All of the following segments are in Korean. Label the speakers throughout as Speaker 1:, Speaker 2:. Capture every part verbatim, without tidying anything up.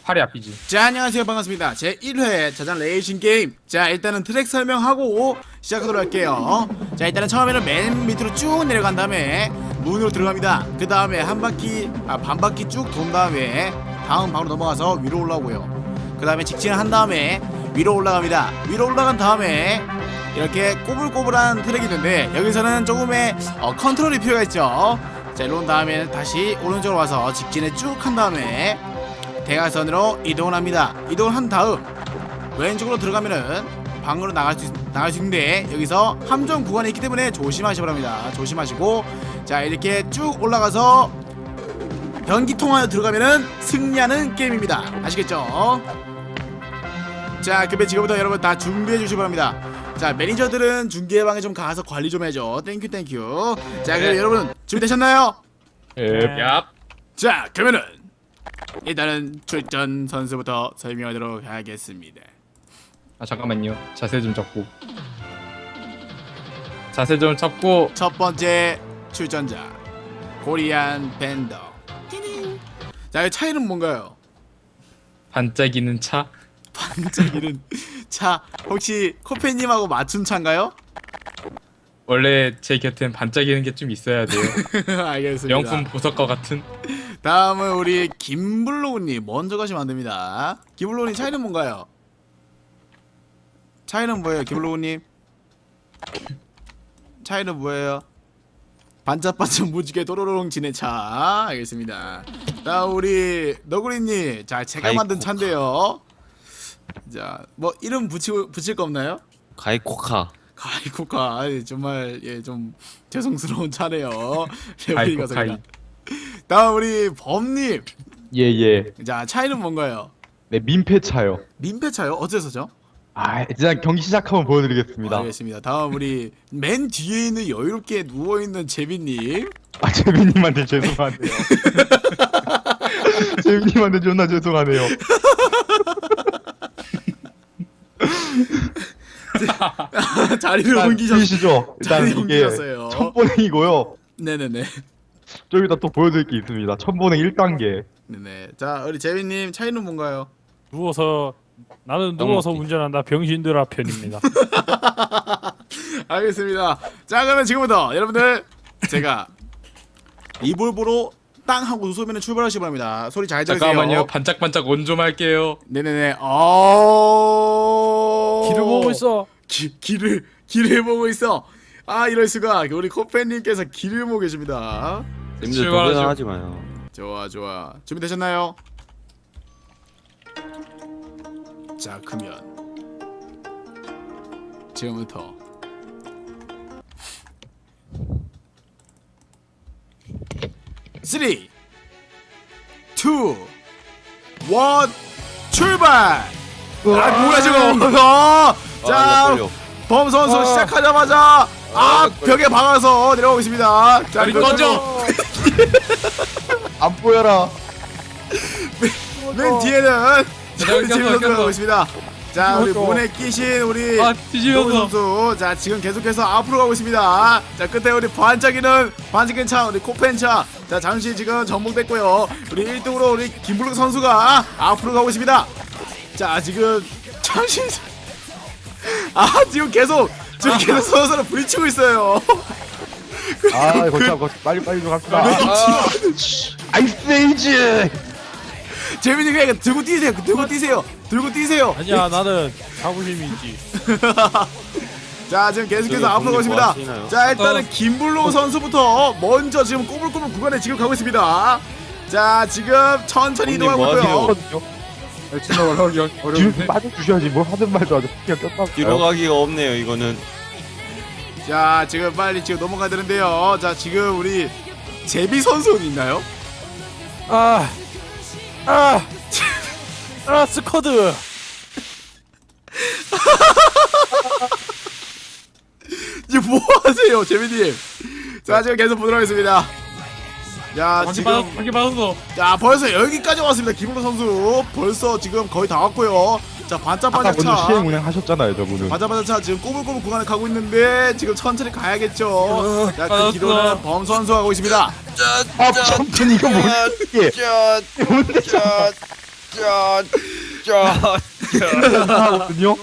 Speaker 1: 팔이 앞이지.
Speaker 2: 자, 안녕하세요, 반갑습니다. 제일 회 자장 레이싱 게임. 자, 일단은 트랙 설명하고 시작하도록 할게요. 자, 일단은 처음에는 맨 밑으로 쭉 내려간 다음에 문으로 들어갑니다. 그 다음에 한 바퀴, 아, 반 바퀴 쭉 돈 다음에 다음 방으로 넘어가서 위로 올라오고요. 그 다음에 직진을 한 다음에 위로 올라갑니다. 위로 올라간 다음에 이렇게 꼬불꼬불한 트랙이 있는데 여기서는 조금의 어, 컨트롤이 필요가 있죠. 자, 이로 온 다음에 다시 오른쪽으로 와서 직진을 쭉 한 다음에 대각선으로 이동을 합니다. 이동을 한 다음 왼쪽으로 들어가면은 방으로 나갈 수, 나갈 수 있는데 여기서 함정 구간이 있기 때문에 조심하시기 바랍니다. 조심하시고 자, 이렇게 쭉 올라가서 변기통 안에 들어가면은 승리하는 게임입니다. 아시겠죠? 자, 그러면 지금부터 여러분 다 준비해 주시기 바랍니다. 자, 매니저들은 중계방에 좀 가서 관리 좀 해줘. 땡큐 땡큐. 자, 그럼
Speaker 1: 네.
Speaker 2: 여러분 준비되셨나요?
Speaker 1: 예. 얍.
Speaker 2: 자, 그러면은 일단은 출전 선수부터 설명하도록 하겠습니다.
Speaker 1: 아 잠깐만요. 자세 좀 잡고. 자세 좀 잡고.
Speaker 2: 첫 번째 출전자 코리안 밴더. 자, 이 차이는 뭔가요?
Speaker 1: 반짝이는 차.
Speaker 2: 반짝이는 차. 혹시 코페님하고 맞춘 차인가요?
Speaker 1: 원래 제 곁엔 반짝이는 게 좀 있어야 돼요.
Speaker 2: 알겠습니다.
Speaker 1: 명품 보석과 같은.
Speaker 2: 다음은 우리 김블로우님 먼저 가시면 안 됩니다. 김블로우님 차이는 뭔가요? 차이는 뭐예요, 김블로우님? 차이는 뭐예요? 반짝반짝 무지개 도로롱 지네 차. 알겠습니다. 다음 우리 너구리님, 자, 제가 만든 차인데요. 자, 뭐 이름 붙이고 붙일 거 없나요?
Speaker 3: 가이코카.
Speaker 2: 가이코카. 아이, 정말 예 좀 죄송스러운 차네요.
Speaker 1: 가이코카이.
Speaker 2: 레벨이 다음 우리 범님.
Speaker 4: 예예.
Speaker 2: 자, 차이는 뭔가요?
Speaker 4: 네, 민폐차요.
Speaker 2: 민폐차요? 어째서죠?
Speaker 4: 아, 일단 경기 시작하면 보여드리겠습니다.
Speaker 2: 알겠습니다. 다음 우리 맨 뒤에 있는 여유롭게 누워 있는 재빈님.
Speaker 4: 아, 재빈님한테 죄송하네요. 재빈님한테 존나 죄송하네요.
Speaker 2: 자리를 옮기셨.
Speaker 4: 보이시죠? 일단
Speaker 2: 자리
Speaker 4: 이게
Speaker 2: 옮기셨어요.
Speaker 4: 천보냉이고요.
Speaker 2: 네네네.
Speaker 4: 좀 이따 또 보여드릴 게 있습니다. 천보냉 일 단계.
Speaker 2: 네네. 자, 우리 재빈님 차이는 뭔가요?
Speaker 5: 누워서 나는 누워서 운전한다 병신들아 편입니다.
Speaker 2: 알겠습니다. 자, 그러면 지금부터 여러분들 제가 이볼보로 땅 하고 쏘면 출발하시기 바랍니다. 소리 잘 들으세요.
Speaker 1: 잠깐만요. 반짝반짝 온 좀 할게요.
Speaker 2: 네네네. 어.
Speaker 5: 길을 보고 있어.
Speaker 2: 기, 길을 길을 보고 있어. 아, 이럴 수가. 우리 코페님께서 길을 보고 계십니다.
Speaker 3: 님들
Speaker 1: 출발하죠.
Speaker 3: 도전하지 마요.
Speaker 2: 좋아 좋아. 준비되셨나요? 자, 그러면 지금부터 쓰리, 투, 원, 출발! 아, 뭐야 지금? 어, 자,
Speaker 3: 떨려.
Speaker 2: 범 선수 시작하자마자 아, 벽에 박아서 내려오고 있습니다. 자,
Speaker 1: 빨리
Speaker 2: 그-
Speaker 1: 꺼져.
Speaker 4: 안 보여라.
Speaker 2: 맨 뒤에는
Speaker 1: 꼈어,
Speaker 2: 지금 선수가
Speaker 1: 꼈어.
Speaker 2: 오고 있습니다. 자, 우리
Speaker 5: 꼈어.
Speaker 2: 문에 끼신 우리
Speaker 1: 아
Speaker 2: 노은
Speaker 1: 뒤집어서.
Speaker 2: 선수. 자, 지금 계속해서 앞으로 가고 있습니다. 자, 끝에 우리 반짝이는 반짝이는 차, 우리 코펜 차. 자, 잠시 지금 전복됐고요. 우리 일 등으로 우리 김블록 선수가 앞으로 가고 있습니다. 자, 지금 잠시 아, 지금 계속 지금 계속 서로 서로 부딪히고 있어요.
Speaker 4: 아, 거참 거참 빨리 빨리 좀 갑시다.
Speaker 2: 네.
Speaker 4: 아이스 에이지.
Speaker 2: 재민이 그냥 들고 뛰세요. 들고 뛰세요. 들고 뛰세요.
Speaker 5: 아니야 나는 자부심이 있지.
Speaker 2: 자, 지금 계속해서
Speaker 3: 저기
Speaker 2: 앞으로 가고
Speaker 3: 뭐
Speaker 2: 있습니다.
Speaker 3: 하시나요?
Speaker 2: 자, 일단은
Speaker 1: 어.
Speaker 2: 김블로 선수부터 먼저 지금 꼬불꼬불 구간에 지금 가고 있습니다. 자, 지금 천천히
Speaker 3: 형님
Speaker 2: 이동하고
Speaker 3: 뭐
Speaker 2: 있고요.
Speaker 3: 하세요?
Speaker 1: 진짜 어려워
Speaker 4: 뒤로
Speaker 1: 어려운데.
Speaker 4: 빠져 주셔야지. 뭘 하든 말도 아주 그냥 꼈다.
Speaker 3: 뒤로 가기가 없네요. 이거는
Speaker 2: 자, 지금 빨리 지금 넘어가야 되는데요. 자, 지금 우리 제비 선수는 있나요?
Speaker 5: 아, 아, 아 스쿼드.
Speaker 2: 지금 뭐 하세요, 제비님? 자, 지금 계속 보도록 하겠습니다. 자,
Speaker 1: 방귀
Speaker 2: 지금
Speaker 1: 받았 방귀 받았어.
Speaker 2: 자, 벌써 여기까지 왔습니다. 김블로 선수 벌써 지금 거의 다 왔고요. 자,
Speaker 4: 아까
Speaker 2: 반짝반짝
Speaker 4: 먼저
Speaker 2: 차.
Speaker 4: 시행 운행 하셨잖아요, 저분은.
Speaker 2: 바자바자 차 지금 꼬불꼬불 구간을 가고 있는데 지금 천천히 가야겠죠. 자, 그
Speaker 1: 알았어.
Speaker 2: 뒤로는 범 선수가 가고 있습니다.
Speaker 4: 아, 천천히 이거 뭐야 이게?
Speaker 3: 짠.
Speaker 4: 뭔데?
Speaker 3: 짠.
Speaker 4: 이상하거든요.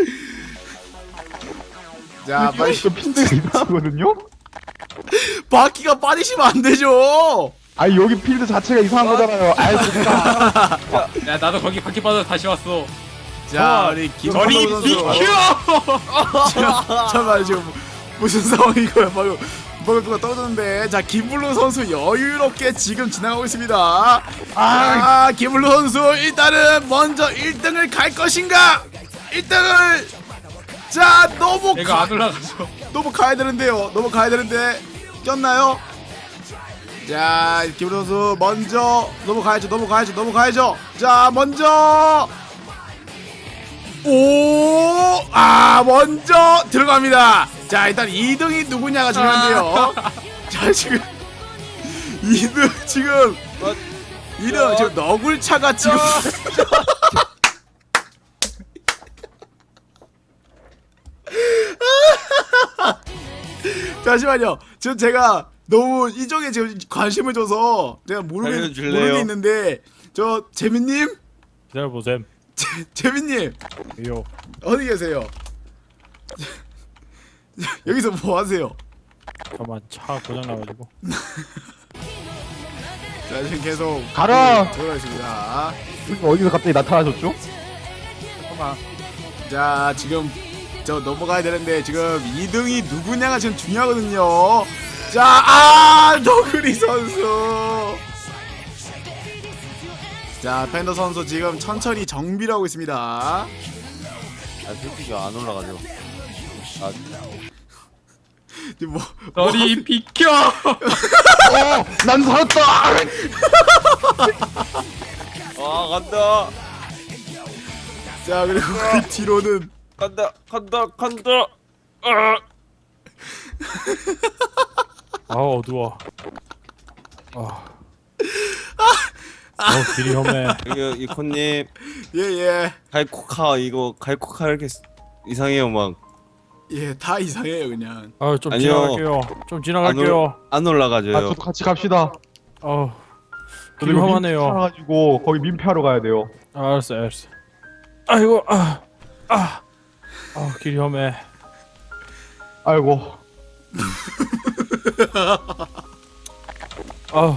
Speaker 2: 자 빨리
Speaker 4: 저 필드가 이상하거든요.
Speaker 2: 바퀴가 빠지시면 안 되죠.
Speaker 4: 아니 여기 필드 자체가 이상한 거잖아요. 아이 진짜.
Speaker 1: 야 나도 거기 바퀴 빠져 다시 왔어.
Speaker 2: 자 우리 김블루
Speaker 1: 저리
Speaker 2: 선수.
Speaker 1: 비켜!
Speaker 2: 잠깐만 지금 무슨 상황이고요? 방금 방금 누가 떠드는데 자 김블루 선수 여유롭게 지금 지나가고 있습니다. 아 김블루 선수 일단은 먼저 일 등을 갈 것인가? 일 등을 자 너무
Speaker 1: 내가
Speaker 2: 가,
Speaker 1: 안 올라가죠.
Speaker 2: 너무 가야 되는데요. 너무 가야 되는데 꼈나요? 자 김블루 선수 먼저 너무 가야죠. 너무 가야죠. 너무 가야죠. 자 먼저 오, 아, 먼저 들어갑니다. 자, 일단 이 등이 누구냐가 중요한데요. 자, 지금 이 등 지금 이 등 지금 너굴차가 지금 잠시만요. 지금 제가 너무 이쪽에 지금 관심을 줘서 내가 모르는
Speaker 3: 알려줄래요?
Speaker 2: 모르는 게 있는데 저 재민님,
Speaker 5: 기다려보셈.
Speaker 2: 재, 재민님.
Speaker 5: 요.
Speaker 2: 어디 계세요? 여기서 뭐 하세요?
Speaker 5: 잠깐만 차 고장 나가지고.
Speaker 2: 자 지금 계속
Speaker 4: 가라!
Speaker 2: 들어가 있습니다.
Speaker 4: 어디서 갑자기 나타나셨죠?
Speaker 5: 잠깐만.
Speaker 2: 자 지금 저 넘어가야 되는데 지금 이 등이 누구냐가 지금 중요하거든요. 자, 아 너구리 선수. 자 팬더 선수 지금 천천히 정비를 하고 있습니다.
Speaker 3: 아 솔직히 안 올라가죠. 아
Speaker 2: 지금 뭐
Speaker 1: 저리 비켜!
Speaker 4: 어, 난 살았다.
Speaker 3: 아 간다
Speaker 2: 자 그리고 그 뒤로는
Speaker 3: 간다 간다 간다.
Speaker 5: 아 어두워. 아. 어 길이 험해.
Speaker 3: 여기 이코님
Speaker 2: 예예
Speaker 3: 갈코카 이거 갈코카 이렇게 이상해요 막.
Speaker 2: 예 다 이상해요 그냥.
Speaker 5: 아좀
Speaker 3: 아니요.
Speaker 5: 지나갈게요. 좀 지나갈게요.
Speaker 3: 안 올라가져요.
Speaker 4: 아, 저도 같이 갑시다.
Speaker 5: 어.
Speaker 4: 저도
Speaker 5: 길이
Speaker 4: 이거
Speaker 5: 험하네요.
Speaker 4: 민폐라가지고 거기 민폐하러 가야 돼요.
Speaker 5: 아, 알았어 알았어. 아이고 아. 아. 아 길이 험해.
Speaker 4: 아이고.
Speaker 5: 아.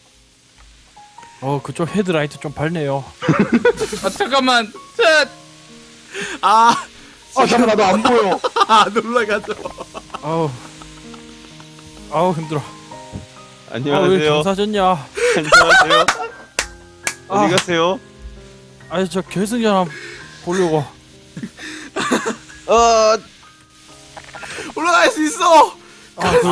Speaker 5: 어 그쪽 헤드라이트 좀 밝네요.
Speaker 1: 아 잠깐만. 셋.
Speaker 2: 아,
Speaker 4: 아 잠깐 나도 안 보여.
Speaker 2: 안 올라가죠.
Speaker 5: 아우. 아우 힘들어. 아왜
Speaker 3: 안녕하세요.
Speaker 5: 경사졌냐?
Speaker 3: 안녕하세요.
Speaker 5: 아.
Speaker 3: 어디 가세요?
Speaker 5: 아니 저 결승전 한번 보려고.
Speaker 3: 어
Speaker 2: 올라갈 수 있어.
Speaker 5: 아, 그,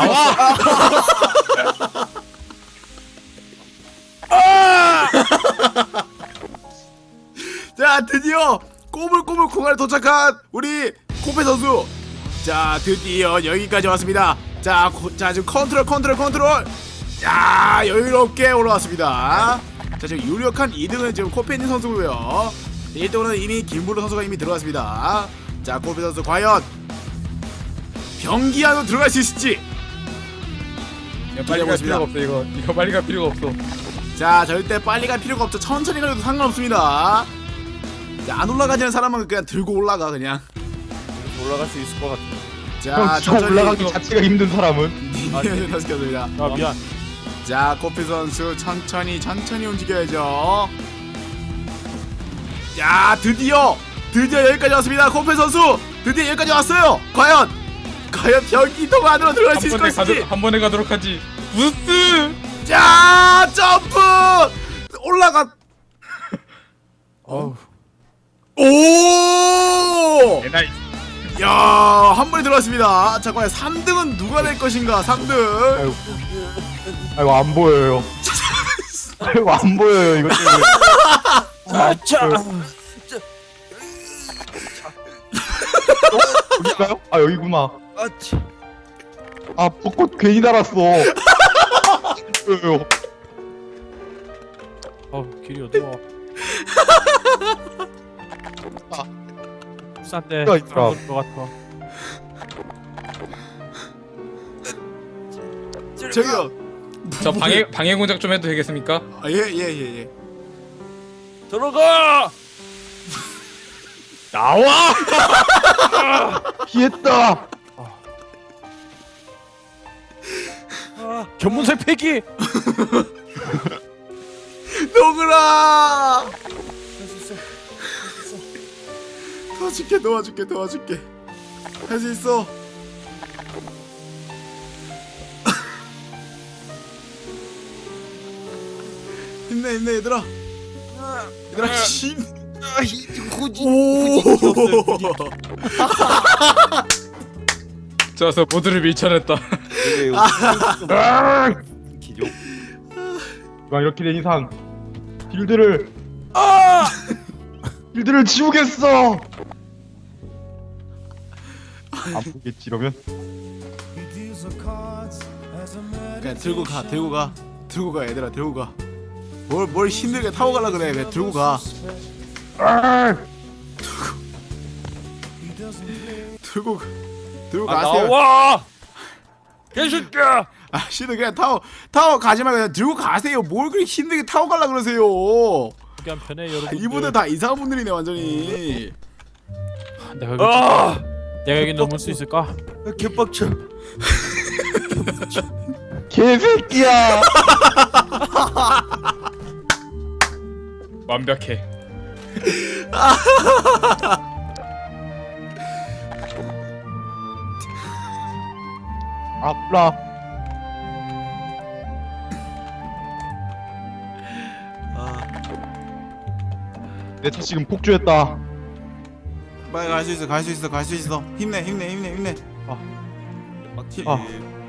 Speaker 2: 자 드디어 꼬물꼬물 공간에 도착한 우리 코페 선수. 자 드디어 여기까지 왔습니다. 자, 고, 자 지금 컨트롤 컨트롤 컨트롤. 야 여유롭게 올라왔습니다. 자 지금 유력한 이 등은 지금 코페니 선수고요. 일 등은 이미 김블루 선수가 이미 들어갔습니다. 자 코페 선수 과연 병기 안으로 들어갈 수 있을지.
Speaker 1: 이거 빨리 갈 필요가 없어 이거. 이거 빨리 갈 필요가 없어.
Speaker 2: 자 절대 빨리 갈 필요가 없죠. 천천히 가도 상관없습니다. 자, 안 올라가지는 사람은 그냥 들고 올라가 그냥.
Speaker 3: 올라갈 수 있을 것 같아.
Speaker 2: 자
Speaker 4: 형, 저
Speaker 2: 천천히
Speaker 4: 올라가기 자체가 힘든 사람은.
Speaker 2: 다섯 개입니다.
Speaker 5: 아 미안.
Speaker 2: 자 코피 선수 천천히 천천히 움직여야죠. 야 드디어 드디어 여기까지 왔습니다. 코피 선수 드디어 여기까지 왔어요. 과연 과연 변기통 안으로 들어갈 수
Speaker 1: 한
Speaker 2: 있을
Speaker 1: 번에
Speaker 2: 것인지.
Speaker 1: 가도 한 번에 가도록 하지. 부스.
Speaker 2: 자 점프 올라가.
Speaker 5: 어우.
Speaker 2: 오!
Speaker 1: 에나이.
Speaker 2: 야, 한 번에 들어왔습니다. 자, 과연 삼 등은 누가 될 것인가? 삼 등.
Speaker 4: 아이고. 아이고 안 보여요. 아이고 안 보여요 이거 때문에.
Speaker 5: 아차.
Speaker 4: 여기가요? 아 여기구나.
Speaker 3: 아치.
Speaker 4: 아 벚꽃 괜히 달았어. 보여요.
Speaker 5: 어 길이 어두워. 싼데
Speaker 4: 야, 있더라.
Speaker 5: 것 같아.
Speaker 2: 저기요.
Speaker 1: 저 방해 방해 공작 좀 해도 되겠습니까?
Speaker 2: 아, 예, 예, 예, 예.
Speaker 5: 들어가. 나와.
Speaker 4: 피했다.
Speaker 5: 견문색 폐기.
Speaker 2: 노그라.
Speaker 5: 할수 있어.
Speaker 2: 도와줄게 도와줄게 도와줄게. 할 수 있어. 힘내 힘내 얘들아. 얘들아 힘. 오.
Speaker 1: 좋아서 모두를 밀쳐냈다.
Speaker 3: 이게 기종.
Speaker 4: 이왕 이렇게 된 이상 빌드를 아! 빌드를 지우겠어. 안 보겠지 이러면.
Speaker 2: 그냥 들고 가 들고 가 들고 가 얘들아 들고 가. 뭘 뭘 힘들게 타고 가려 그래. 그냥 들고 가.
Speaker 4: 아!
Speaker 2: 들고 가. 들고
Speaker 5: 아,
Speaker 2: 가세요.
Speaker 5: 나와. 개새끼야.
Speaker 2: 아 씨는 그냥 타고 타고 가지 말고 그냥 들고 가세요. 뭘 그렇게 힘들게 타고 가려 그러세요.
Speaker 5: 그냥 편해 여러분.
Speaker 2: 이분들 다 이상한 분들이네 완전히.
Speaker 5: 내가 여기
Speaker 3: 아!
Speaker 5: 내가 여기 넘을 수 있을까?
Speaker 3: 개빡쳐.
Speaker 4: 개새끼야.
Speaker 1: 완벽해.
Speaker 4: 아프라. 내 차 지금 폭주했다.
Speaker 2: 빨리 갈 수 있어 갈 수 있어 갈 수 있어. 힘내 힘내 힘내 힘내.
Speaker 3: 빡치.
Speaker 4: 아.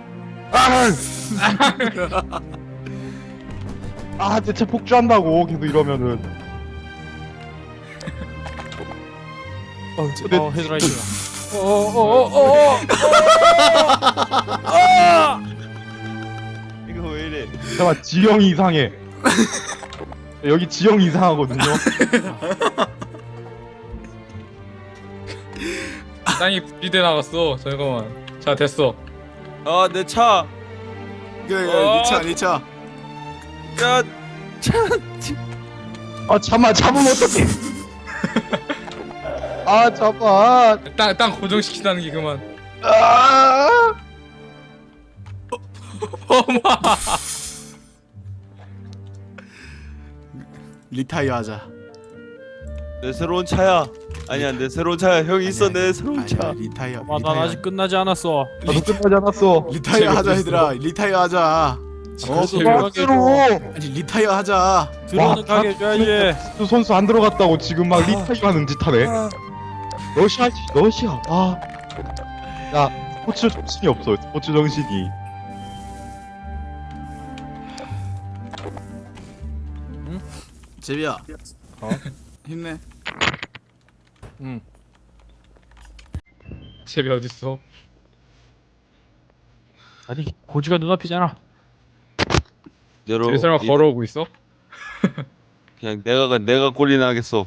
Speaker 4: 아, 내 차 폭주한다고 계속 이러면은.
Speaker 5: 어,
Speaker 4: 근데-
Speaker 5: 어 헤드라이트가. 어어어어어.
Speaker 3: 이거 왜 이래?
Speaker 4: 잠깐만, 지형이 이상해. 여기 지형이 이상하거든요.
Speaker 1: 땅이 분리돼 나갔어. 잠깐만. 자 됐어.
Speaker 3: 아, 내 차.
Speaker 2: 그래
Speaker 3: 어.
Speaker 2: 그래 니차 니차.
Speaker 3: 야,
Speaker 4: 아, 잠만, 잡으면 어떡해. 아, 잠만.
Speaker 1: 땅 땅 고정시킨다는 게 그만.
Speaker 4: 아,
Speaker 1: 어마.
Speaker 2: 리타이어 하자.
Speaker 3: 내 새로운 차야. 아니야, 내 새로운 차야. 형 있어, 내 새로운
Speaker 2: 아니야,
Speaker 3: 차.
Speaker 2: 리타이어.
Speaker 5: 아, 난
Speaker 2: 리타이어.
Speaker 5: 아직 끝나지 않았어.
Speaker 4: 나도 끝나지 않았어.
Speaker 2: 리타이어 하자
Speaker 1: 재밌어.
Speaker 2: 얘들아. 리타이어 하자. 어?
Speaker 1: 재밌어.
Speaker 4: 박스로.
Speaker 2: 아니 리타이어 하자.
Speaker 5: 들어오는 가게 해줘야지.
Speaker 4: 또 선수 안 들어갔다고 지금 막 리타이어 하는 짓 하네. 러시아지, 러시아. 아, 야, 스포츠 정신이 없어. 스포츠 정신이.
Speaker 2: 제비야.
Speaker 5: 어?
Speaker 2: 힘내.
Speaker 5: 응.
Speaker 1: 제비 어딨어?
Speaker 5: 아니 고지가 눈앞이잖아.
Speaker 3: 여러
Speaker 1: 제비 설마
Speaker 3: 이-
Speaker 1: 걸어오고 있어?
Speaker 3: 그냥 내가 가- 내가 꼴이 나겠어.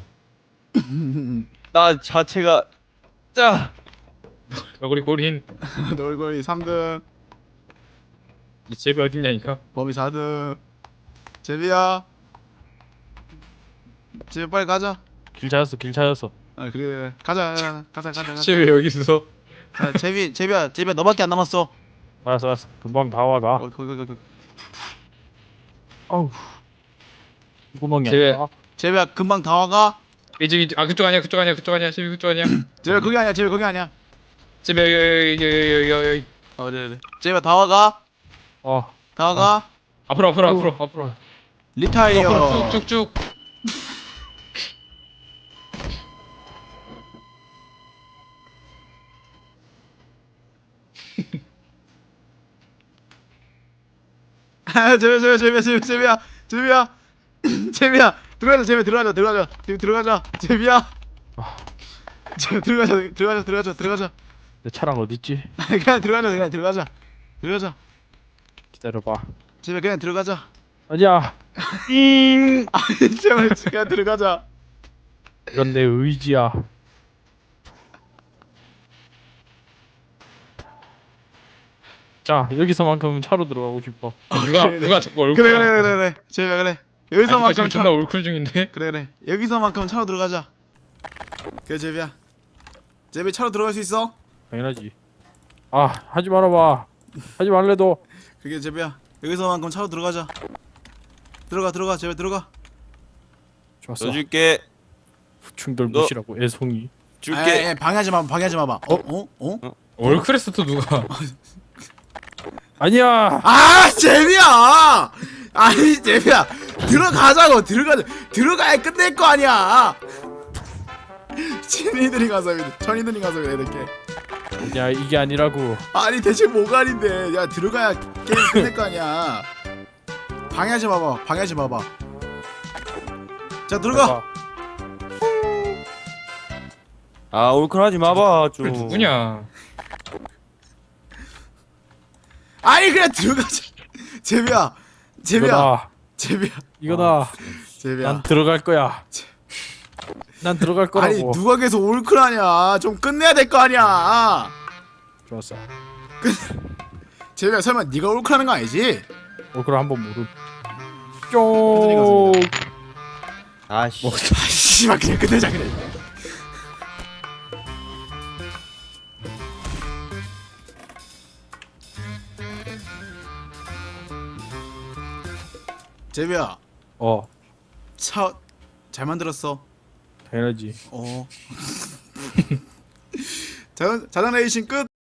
Speaker 3: 나 자체가 짜.
Speaker 1: 너구리 꼬린.
Speaker 2: 놀고이 삼 등.
Speaker 1: 이 제비 어딨냐니까?
Speaker 2: 범이 사 등. 제비야. 제비 빨리 가자.
Speaker 5: 길 찾았어 길 찾았어.
Speaker 2: 아 그래 가자 가자 가자 가자. 가자.
Speaker 1: 제비 여기 있어.
Speaker 2: 아, 제비 제비야 제비야 너밖에 안 남았어.
Speaker 5: 알았어 알았어 금방 다 와가.
Speaker 2: 어, 거기 거기 거기.
Speaker 5: 어우 구멍이야.
Speaker 1: 제비.
Speaker 2: 제비야 금방 다 와가.
Speaker 1: 이쪽 아 그쪽 아니야 그쪽 아니야 그쪽 아니야 제비 그쪽 아니야.
Speaker 2: 제비야 거기 아니야 제비 거기 아니야.
Speaker 1: 제비 여기 여기 여기 여기 여기 여기.
Speaker 2: 어 그래 그래. 제비야 다 와가.
Speaker 5: 어.
Speaker 2: 다 와가.
Speaker 1: 앞으로 앞으로 앞으로 앞으로.
Speaker 2: 리타이어.
Speaker 1: 앞으로 쭉쭉쭉.
Speaker 2: 아, 제비야 제비야 제비야 제비야 제비야 제비야 제비야 들어가자 제비 들어가자 들어가자 제비 들어가자 제비야 제비 들어가자 들어가자 들어가자 들어가자
Speaker 5: 내 차랑 어디 있지?
Speaker 2: 그냥 들어가자 그냥 들어가자 들어가자
Speaker 5: 기다려봐.
Speaker 2: 제비 그냥 들어가자
Speaker 5: 아니야.
Speaker 2: 아니 제발 그냥 들어가자
Speaker 5: 이건 내 의지야. 자 여기서만큼은 차로 들어가고 싶어.
Speaker 1: 누가 누가 자꾸 얼굴.
Speaker 2: 그래 그래 그래 그래 제비야 그래 여기서만큼
Speaker 1: 지금
Speaker 2: 차
Speaker 1: 존나 올쿨 중인데.
Speaker 2: 그래 그래 여기서만큼 차로 들어가자. 그래 제비야 제비 차로 들어갈 수 있어?
Speaker 5: 당연하지. 아 하지 말아봐. 하지 말래도.
Speaker 2: 그게 제비야 여기서만큼 차로 들어가자. 들어가 들어가 제비 들어가.
Speaker 5: 좋았어.
Speaker 3: 너 줄게.
Speaker 5: 충돌
Speaker 3: 너-
Speaker 5: 무시라고 애송이.
Speaker 3: 줄게.
Speaker 2: 에, 에, 방해하지 마 방해하지 마봐. 어? 어? 어?
Speaker 1: 올쿨에서 또 누가?
Speaker 5: 아니야.
Speaker 2: 아 제비야 아니 제비야 들어가자고 들어가자 들어가야 끝낼 거 아니야. 친이들이 가서 천이들이 가서 그래 이렇게.
Speaker 5: 야 이게 아니라고.
Speaker 2: 아니 대체 뭐가 아닌데 야 들어가야 게임 끝낼 거 아니야. 방해하지 마봐 방해하지 마봐. 자 들어가.
Speaker 3: 아 올클하지 마봐
Speaker 1: 그래
Speaker 3: 좀.
Speaker 1: 누구냐?
Speaker 2: 아니 그냥 들어가자. 제비야 제비야
Speaker 5: 이거다.
Speaker 2: 제비야
Speaker 5: 이거다.
Speaker 2: 제비야.
Speaker 5: 난 들어갈 거야. 난 들어갈 거라고.
Speaker 2: 아니 누가 계속 올클하냐. 좀 끝내야 될 거 아니야.
Speaker 5: 좋았어.
Speaker 2: 제비야 설마 네가 올클하는 거 아니지?
Speaker 5: 어 그럼 한번 모름.
Speaker 2: 선생님
Speaker 5: 쫑.
Speaker 2: 같습니다.
Speaker 3: 아씨.
Speaker 2: 아 씨발 그냥 끝내자 그래. 제비야
Speaker 5: 어
Speaker 2: 차 잘 만들었어.
Speaker 5: 당연하지.
Speaker 2: 어. 자전 자전 레이싱 끝.